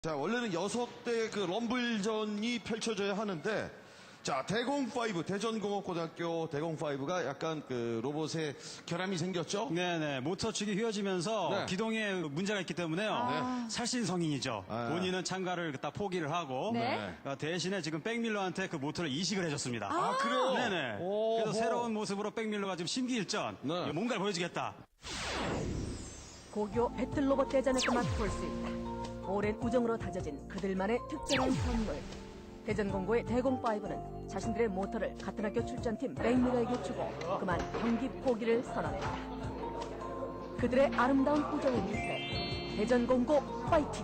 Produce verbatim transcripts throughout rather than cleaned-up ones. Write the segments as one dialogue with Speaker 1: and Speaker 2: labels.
Speaker 1: 자, 원래는 여섯 대 그 럼블전이 펼쳐져야 하는데, 자, 대공오, 대전공업고등학교 대공오가 약간 그 로봇에 결함이 생겼죠?
Speaker 2: 네네. 모터 축이 휘어지면서
Speaker 1: 네.
Speaker 2: 기동에 문제가 있기 때문에요.
Speaker 1: 아.
Speaker 2: 살신성인이죠.
Speaker 1: 아.
Speaker 2: 본인은 참가를 딱 포기를 하고
Speaker 3: 네.
Speaker 2: 어, 대신에 지금 백밀러한테 그 모터를 이식을 해줬습니다.
Speaker 1: 아, 그래요?
Speaker 2: 네네.
Speaker 1: 오호.
Speaker 2: 그래서 새로운 모습으로 백밀러가 지금 심기일전
Speaker 1: 네.
Speaker 2: 뭔가를 보여주겠다.
Speaker 3: 고교 배틀로봇 대전에서 맛볼 수 있다. 오랜 우정으로 다져진 그들만의 특별한 선물. 대전공고의 대공오는 자신들의 모터를 같은 학교 출전팀 백미러에게 주고 그만 경기 포기를 선언했다. 그들의 아름다운 우정의 밑에 대전공고 파이팅!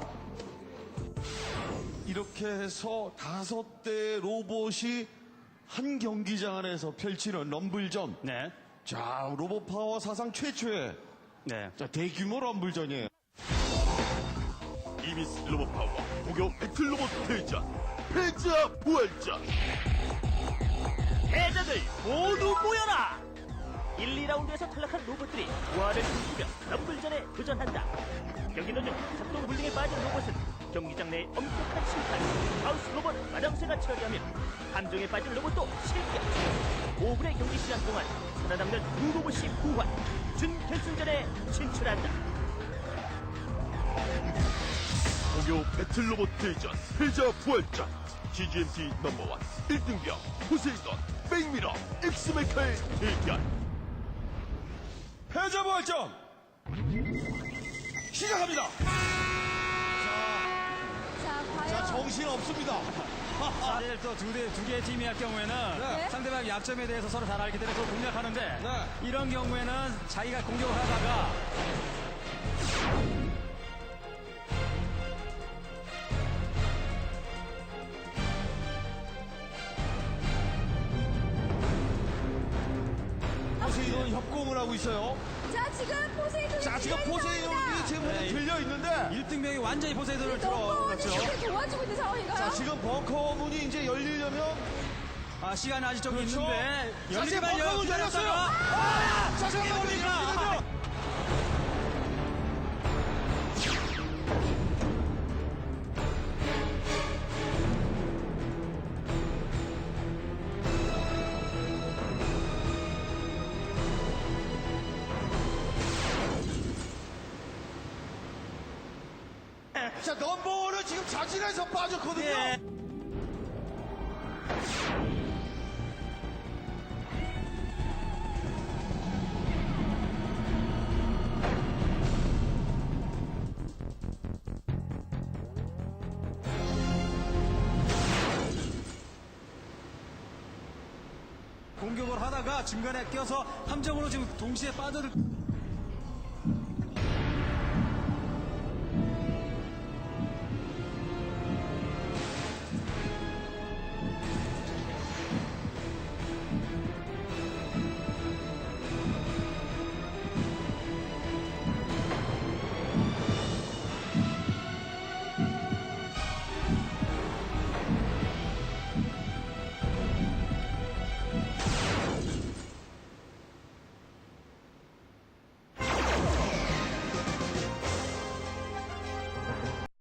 Speaker 1: 이렇게 해서 다섯 대 로봇이 한 경기장 안에서 펼치는 럼블전.
Speaker 2: 네.
Speaker 1: 자, 로봇 파워 사상 최초의
Speaker 2: 네.
Speaker 1: 자, 대규모 럼블전이에요.
Speaker 4: 이미스 로봇 파워 고교 배틀 로봇 대전 패자 부활전.
Speaker 5: 패자들 모두 모여라! 일, 이 라운드에서 탈락한 로봇들이 부활을 꿈꾸며 럼블전에 도전한다. 경기 도중 작동 불능에 빠진 로봇은 경기장 내에 엄격한 심판, 하우스 로봇 마당쇠가 처리하며 함정에 빠진 로봇도 실격. 오 분의 경기 시간 동안 살아남는 두 로봇이 부활, 준결승전에 진출한다.
Speaker 4: 고교 배틀 로봇 대전 패자 부활전. 지지엠티 넘버원 일 등병 포세이돈 백미러 엑스메카의 대결.
Speaker 1: 패자 부활전! 시작합니다!
Speaker 6: 자, 과연
Speaker 1: 자, 정신 없습니다.
Speaker 2: 사실 또 두 개, 두 개의 팀이 할 경우에는
Speaker 1: 네.
Speaker 2: 상대방 약점에 대해서 서로 잘 알기 때문에 그걸 공략하는데
Speaker 1: 네.
Speaker 2: 이런 경우에는 자기가 공격을 하다가
Speaker 1: 포세이돈 협공을 하고 있어요.
Speaker 6: 자, 지금 포세이돈이
Speaker 1: 자, 지금 포세이돈이 지금
Speaker 2: 네.
Speaker 1: 들려 있는데,
Speaker 2: 일 등병이 완전히 포세이돈을
Speaker 6: 넘버원이
Speaker 2: 들어갔죠.
Speaker 6: 이렇게 도와주고 있는 상황인가요?
Speaker 1: 자, 지금 벙커문이 이제 열리려면,
Speaker 2: 아, 시간이 아직 좀
Speaker 1: 그렇죠.
Speaker 2: 있는데
Speaker 1: 자, 지금
Speaker 2: 열리기만요.
Speaker 1: 벙커문 열렸어요.
Speaker 2: 기다렸다가
Speaker 1: 아! 자, 잠깐만요.
Speaker 2: 뭡니까?
Speaker 1: 잠깐만요. 자, 넘버원은 지금 자진해서 빠졌거든요.
Speaker 2: 예. 공격을 하다가 중간에 껴서 함정으로 지금 동시에 빠져